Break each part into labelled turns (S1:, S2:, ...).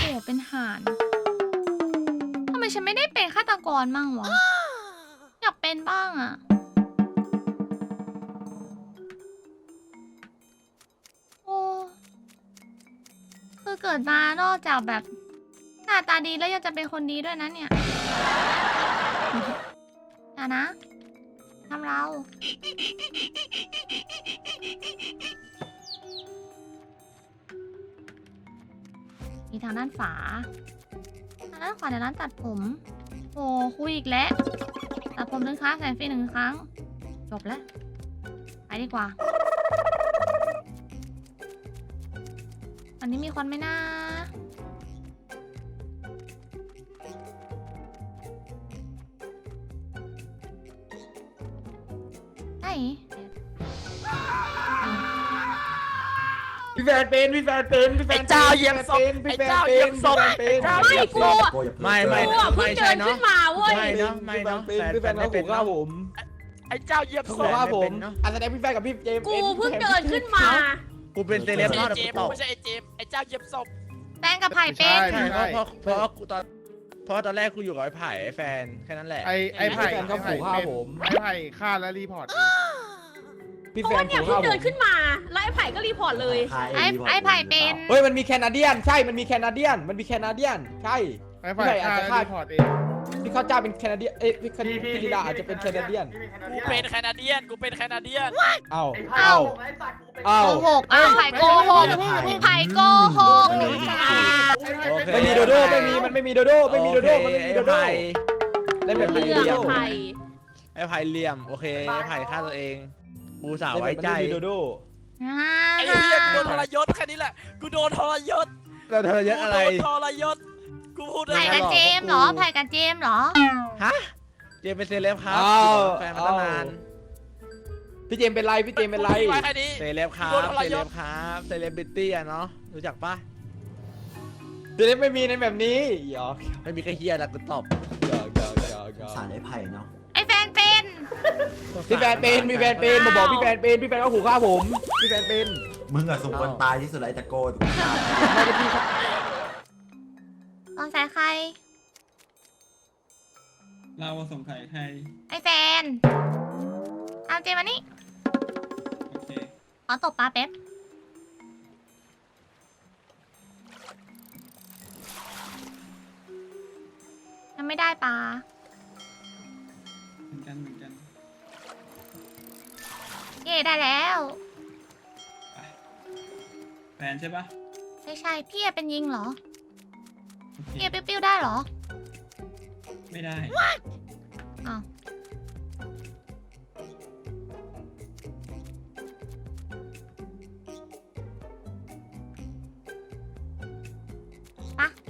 S1: เป็นห่านทำไมฉันไม่ได้เป็นฆาตกรมั่งวะอยากเป็นบ้างอะโอ้คือเกิดมานอกจากแบบหน้าตาดีแล้วยังจะเป็นคนดีด้วยนะเนี่ยอย่านะทำเรามีทางด้านฝาทางด้านขวาในร้านตัดผมโอ้คุยอีกแล้วตัดผม1 ครั้งแสนฟรี1 ครั้งจบแล้วไปดีกว่าอันนี้มีคนไหมนะไหน
S2: พี่แฟนเป็นพี่แฟนเป็นพี่แฟน
S3: ไอ้เจ้าเหยียบศพ
S2: พี่แฟน
S3: ไอ้เจ้าเหยียบศพ
S2: พี่แฟน
S3: ไอ้
S2: เป็น
S3: เจ้า
S4: ไม่กู
S3: ไม่
S4: กูอ่ะเพิ่งเดินขึ้นมาเว้ย
S3: ไม่เนาะไม่เนาะ
S2: พี่แฟนเขาขู่ฆ่าผม
S3: ไอ้เจ้าเหยียบ
S2: เขา
S3: ศ
S2: ขู่
S3: พ
S2: ฆ่าผมอาแสดงพี่แฟนกับพี่เจมส์
S4: กูเพิ่งเดินขึ้นมา
S5: กูเป็นเซเล
S3: ไม่
S5: บ
S3: ใช่
S5: นอก
S3: ไอ้เจ
S5: แต่
S3: ม
S5: กูตอบ
S3: ไม่ใช่ไอ้เจมไอ้เจ้าเหยียบศพ
S1: แป้งกับไผ่เป็น
S5: ใช่เพราะกูตอนแรกกูอยู่กับไอ้ไผ่ไอ้แฟนแค่นั้นแหละ
S6: ไอ้ไผ่
S2: พี่แฟนเขาขู่ฆ่าผม
S6: ไอ้ไผ่ฆ่าและรีพอร์ต
S2: พี่
S4: เพ
S2: แฟ
S4: ราะว่าน เนี่ย
S2: ขู่
S4: เพิ่ง
S2: ฆ่าผ
S4: เดิน
S2: ม
S4: ขึ้นมาแล้วไอ้ไผ่ก็รีพอร์ตเลย
S1: ไอ้ไผ่เป็น
S2: เฮ้ยมันมีแคนาเดียนใช่มันมีแคนาเดียนมันมีแคนาเดียนใช่
S6: ไอ้ไผ่ฆ่าและรีพอร์ตเอง
S2: พี่ข้าวเจ้าเป็นแคนาเดียนเอ้ยพี่ธิดาอาจจะเป็นแคนาเดียน
S3: กูเป็นแคนาเดียนกูเป็นแคนาเดียน
S2: เอ้า
S1: เอ้า
S2: เอ้า
S1: โกหกอ้าวไผ่โกหกไผ่โกหก
S5: โอเค
S2: ไม่มีโดโด้ไม่มีมันไม่มีโดโด้ไม่มีโดโด้มันไม่มีโดโด้
S5: ไอ้ไผ่
S2: เล่นแบบไม่มี
S4: เรื่
S2: โด
S4: อง
S2: โด้
S4: ไผ่
S5: ไอ้ไผ่เหลี่ยมโอเคไอ้ไผ่ฆ่าตัวเองกูสาวไว้ใจ
S2: เล่นแบบไม่มีโดโด้
S3: ไอ้เหี้ยกูโดนทรยศแค่นี้แหละกูโดนทรยศ
S5: เราเธอเยอะอะไร
S3: กูโดนทรยศกูพูดได้
S1: ไผ่
S3: ไง
S1: กับเจมส์เหรอไผ่กับเจมส์เหรอ
S5: ฮะเจมเป็นเซเลบครับ
S2: อ้าว
S5: แฟนมาตั้งนาน
S2: พี่เจมส์เป็นไรพี่เจมส์เป็นไร
S3: กูพูดไว้แค่นี้
S5: เซเลบครับ
S3: โดนทร
S5: เซ
S3: ย
S5: เล
S3: ศ
S5: บครับเซเลบริตี้อะเนาะรู้จักปะ
S2: เจมส์ไม่มีในแบบนี้หยอก
S5: ไม่มีแค่เฮียแล้วกูตอบ
S2: หยอกหยอกหยอกหยอก
S7: สารไอ้ไผ่เนาะ
S1: ไอ้แฟนเป็น
S2: พี่แฟนเป็นพี่แฟนเป็นมาบอกพี่แฟนเป็นพี่แฟนก็ขู่ฆ่าผมพี่แฟนเป็น
S7: มึงอะสมควรตายที่สุดเลยตะโกน
S2: ไม่ได้พี่ครับ
S1: ตอนสายใคร
S8: เราสงสัยใคร
S1: ไอ้แฟนเอาเจมส์มานี่
S8: โอเค
S1: ขอตบปลาแป๊บยังไม่ได้ปลา
S8: เหมือนกันเหมือนกัน
S1: เย่ได้แล้ว
S8: ไปแฟนใช่ปะ
S1: ไม่ใช่พี่เป็นยิงเหรอ
S8: โอเค
S1: พี่ปิ้วๆได้เหรอ
S8: ไม่ได้
S1: อ้าวปะ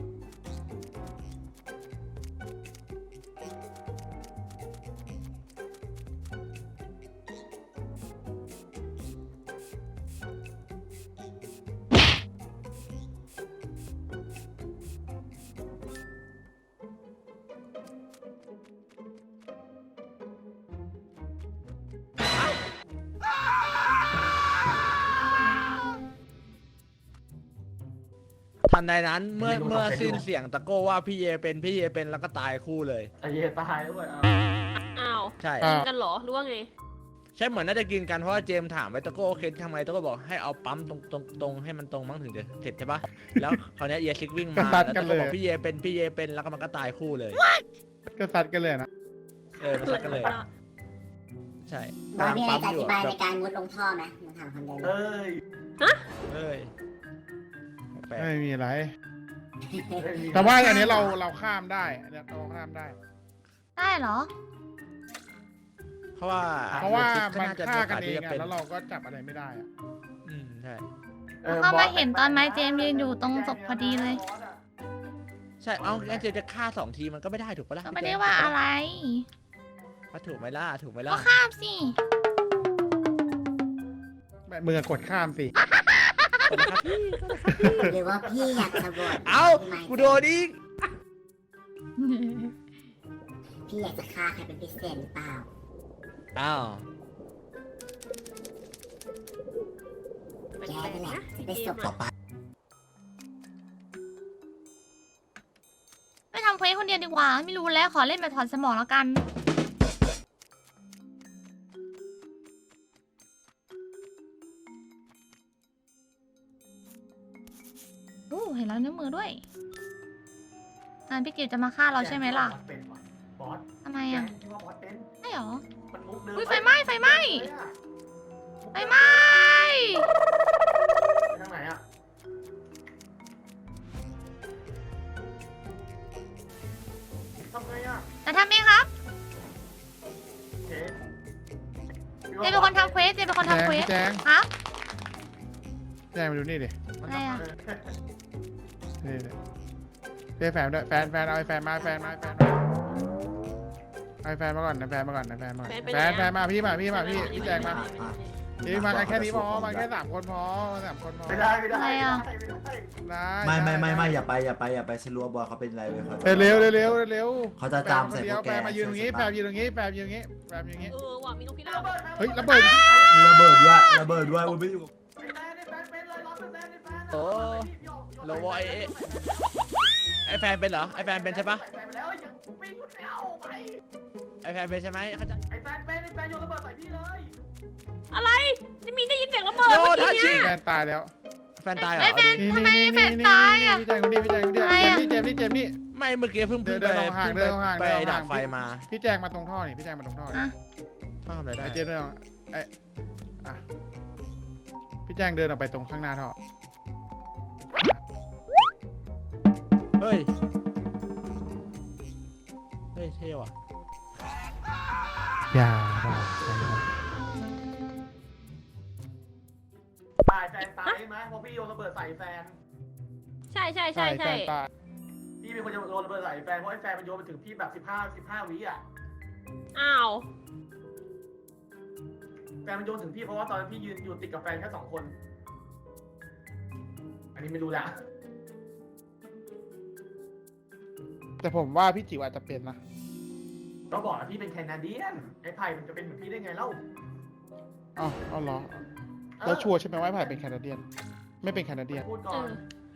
S5: ทันใดนั้นเมื่อสิ้นเสียงตะโก้ว่าพี่เยเป็นแล้วก็ตายคู่เลย
S4: อ้าว
S5: ใช่
S4: กินกันเหรอหรือว่าไง
S5: ใช่เหมือนน่าจะกินกันเพราะว่าเจมส์ถามไว้ตะโก้โอเคทำไงตะโก้บอกให้เอาปั๊มตรงให้มันตรงมั้งถึงจะเสร็จใช่ปะแล้วคราวเนี้ยเยซิกวิ่งมาแล้วตะโก้บอกพี่เยเป็นแล้วก็มันก็ตายคู่เลย
S6: ก็ซัดกันเลยนะ
S5: มันซัดกันเลย ใช่
S9: บอยมีอะไรจะอ
S5: อยู่
S9: ธิบาย
S5: แบ
S9: ใน
S5: บ
S9: การมุดลงท่อไหมมึงถามคำเดียวเลย
S5: เอ้ยแปลก
S6: ไม่มีอะไร แต่ว่าอันนี้เราข้ามได้อันนี้เราข้ามได้
S1: ได้เหรอ
S5: เพราะว่า
S6: เพราะว่า
S5: เยซิ
S6: มัน
S5: จะ
S6: ฆ่ากัน
S5: โ
S6: เอง
S5: ที่จะ
S6: อะ
S5: ป็น
S6: แล้วเราก็จับอะไรไม่ได้อะ
S5: ใช่
S1: แล้วก็มาเห็นตอนไม้เจมส์ยืนอยู่ตรงศพพอดีเลย
S5: ใช่เอางั้นเจมส์จะฆ่า2 ทีมันก็ไม่ได้ถูกปะล่ะ
S1: ก็ไม่ได้ว่าอะไร
S5: ถูกไหมล่ะถูกไหม
S1: ก็
S5: ล่ะ
S1: ข้ามสิ
S6: แบบมือกดข้ามสิ
S9: หรือว่าพี่อยากจะบวช
S5: เอ้ากูโดนอีก
S9: พี่อยากจะฆ่าใครเป็นพิเศษหรือเปล่า
S5: อ้าว
S9: แกนั่นแหละจะไปศพ
S7: ต่อไป
S1: ำเพลงคนเดียวดีกว่า ไม่รู้แล้วขอเล่นแบบถอนสมองแล้วกันโอ้เห็นแล้วนิ้วมือด้วยงานพี่กิวจะมาฆ่าเราใช่ไหมล่ะ
S2: บอส
S1: ทำไมอ่ะ
S2: ที่ว่าบอสเป็น
S1: ใช่หรอ
S2: มันมุกเดิม
S1: อุ้ยไฟไหม้ไฟไหม้ไฟไหม้
S2: ไปทางไหนอ่ะทำไงอ่ะ
S1: จะทำเองครับ
S2: เจ๊
S1: เจเป็นคนทำเควสเจเป็นคนทำเควส
S6: แจง
S1: ครับ
S6: แจงมาดูนี่ดิ
S1: อะไรอ่ะ
S6: นี่ดิเรียกแฟนด้วยแฟนเอาไอ้แฟนมาแฟนมาเอาไอ้แฟนมาก่อนนะแฟนมาก่อนนะแฟนมาก่อนแฟนมาพี่แจงมาพี่มากันแค่นี้พอมาแค่3 คนพอมา3 คนพอ
S2: ไม่ได้ไม่ได้
S1: อะไรอ่ะ
S6: ได้
S7: ไม่อย่าไปฉันรู้ว่าบอยเขาเป็นอะไรเว้ยเขา
S6: เร็ว
S7: เขาจะจามใส่พวกแก
S6: แฟนมายืนตรงนี้แฟนยืนตรงนี้แฟนยืนตรงนี้แฟนยืนตรงนี้
S4: ว่ะมีนกพิราบ
S6: เฮ้ยระเบิด
S7: ระเบิดด้วยมันไม่อยู่กับ
S5: โอ้โลวอยไอแฟนเป็นเหรอไอแฟนเป็นใช่ปะไอแฟนเป็นใช่ไหมเขาจะ
S2: ไอ้แฟนโยนระเบิดใส่พี่เลย
S4: อะไรจะมีได้ยินเสียงระเบิด
S5: โย
S4: เมื่อ
S5: ทั
S4: กี้
S5: ชิ
S4: เนี่ย
S6: แฟนตายแล้ว
S5: แฟนตายเหรอ
S1: ไอ้แฟน
S5: ดิ
S1: ทำไมแฟนตายอ่ะ
S6: พี่แจงคนนี้เจมนี่
S5: ไม่เมื่อกี้เพิ่ง
S6: เดินลงห่าง
S5: ไปดับไฟมา
S6: พี่แจงมาตรงท่อนี่พี่แจงมาตรงท่อนี่
S1: อ่ะ
S5: ทำอะไรได้
S6: ไอเจมเดินไออ่ะพี่แจงเดินออกไปตรงข้างหน้าท่อ
S5: เฮ้ยเท่ว่ะ
S6: อย่า
S2: ตายแฟนตายใช่ไหมเพราะพี่โยนระเบิดใส่แฟน
S4: ใช่
S6: แฟนตาย
S2: พี่เป็นคนโยนระเบิดใส่แฟนเพราะไอ้แฟนมันโยนไปถึงพี่แบบ15 วิอ่ะ
S4: อ้าว
S2: แฟนมันโยนถึงพี่เพราะว่าตอนนั้นพี่ยืนอยู่ติดกับแฟนแค่2 คน อันนี้ไม่รู้ละ
S6: แต่ผมว่าพี่จิ๋วอาจจะเป็นนะ
S2: ก็บอกแล้วพี่เป็นแคนาเดียนไอ้ไผ่มันจะเป็นเหมือนพี่ได้ไงเล่า
S6: เอาเหรอแล้วชัวร์ใช่ไหมว่าไผ่เป็นแคนาเดียนไม่เป็นแคนาเดียน
S2: พูดก่
S4: เอ
S2: อน
S4: อ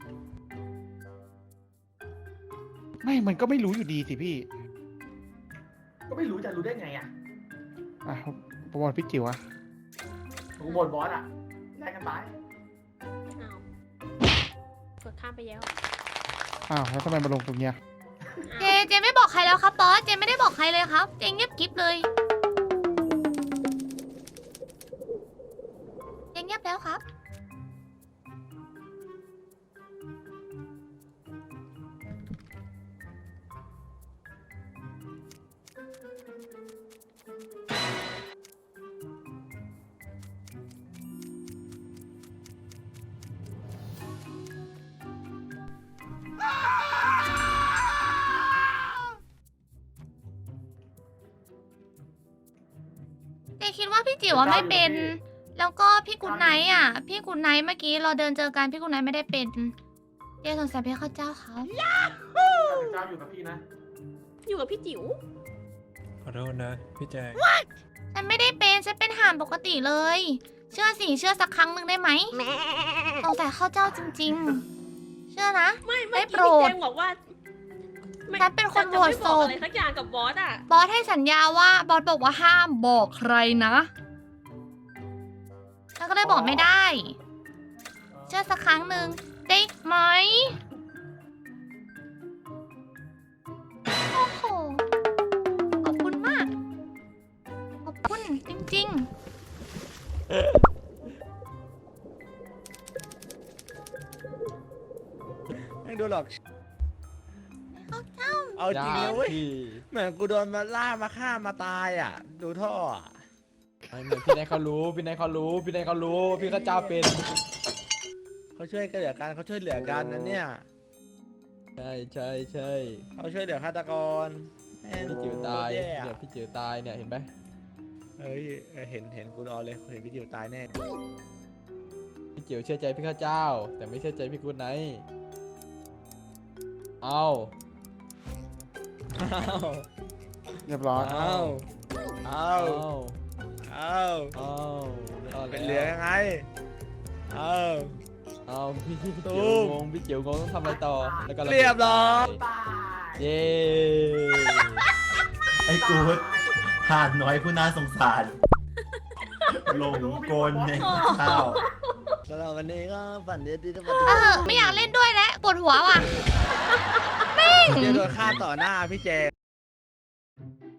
S6: ไม่มันก็ไม่รู้อยู่ดีสิพี่
S2: ก็ไม่รู้จะรู้ได้ไงอ่ะ
S6: อ่ะผมบอกพี่จิ๋วอะ
S2: ผมบ่นบอสอ่ะแลกกันตาย
S4: อ้าวกดข้ามไปแล้ว
S6: อ้าวแล้วทำไมมาลงตรงเนี้ย
S1: เจไม่บอกใครแล้วครับบอสเจไม่ได้บอกใครเลยครับเจเงียบกิ๊บเลยเจเงียบแล้วครับ เจคิดว่าพี่จิ๋วอะไม่เป็น แล้วก็พี่กุนไนท์อ่ะ พี่กุนไนท์เมื่อกี้เราเดินเจอกันพี่กุนไนท์ไม่ได้เป็น เจสงสัยพี่ข้าเจ้าครับ
S2: เจ้าอยู่กับพี่นะ
S4: อยู่กับพี่จิ๋ว
S8: ขอโทษนะพี่แจง
S1: ฉันไม่ได้เป็นฉันเป็นห่านปกติเลย เชื่อสิเชื่อสักครั้งหนึ่งได้ไหมสงสัยข้าเจ้าจริงๆ เชื่อนะ
S4: ไม่
S1: ไม่
S4: เมื่อ
S1: โปร
S4: กี้
S1: ด
S4: พี่แจงบอกว่าไม่
S1: ฉันเป็นคน
S4: จะไม่
S1: โหวตศพ
S4: บอกอะไรสักอย่างกับบอสอ่ะ
S1: บอสให้สัญญาว่าบอสบอกว่าห้ามบอกใครนะฉันก็เลยบอกไม่ได้ เชื่อสักครั้งหนึ่งได้ไหมโอ้โหขอบคุณมาก ขอบคุณจริงๆ
S5: ไม่ดูหรอกเอาจริงนะเว้ยเหมือนกูโดนมาล่ามาฆ่ามาตายอ่ะ ดูท่ออ่ะ
S2: พี่นายเขารู้พี่ข้าเจ้าเป็น
S5: เขาช่วยกันเหลือกันเขาช่วยเหลือกันนะเนี่ย
S2: ใช่
S5: เขาช่วยเหลือฆาตกรแม่ง
S2: พี่จิ๋วตาย
S5: โคตรแอะ
S2: เนี่ยพี่จิ๋วตายเนี่ยเห็นไหม
S5: เฮ้ยเห็นกูรอเลยเห็นพี่จิ๋วตายแน่
S2: พี่จิ๋วเชื่อใจพี่ข้าเจ้า แต่ไม่เชื่อใจพี่กุ๊ดไนท์เอา
S6: เรียบร้อย
S5: เอาเอาเป็นเหลือยังไงเอา
S2: พี่
S5: ตู
S2: จิ๋ว
S5: ม
S2: งงพี่จิ๋วงงต้องทำอะไรต่อแล้วก็ะ
S5: เรียบร้อย
S2: ตายเย้
S7: ไอ้กูห่านน้อยผู้น่าสงสารลงกลในข้าว
S5: สำหรับวันนี้ก็ฝันดีที่จะมา
S1: ไม่อยากเล่นด้วยแล้วปวดหัวว่ะ
S5: เจโดนฆ่าต่อหน้าพี่เจ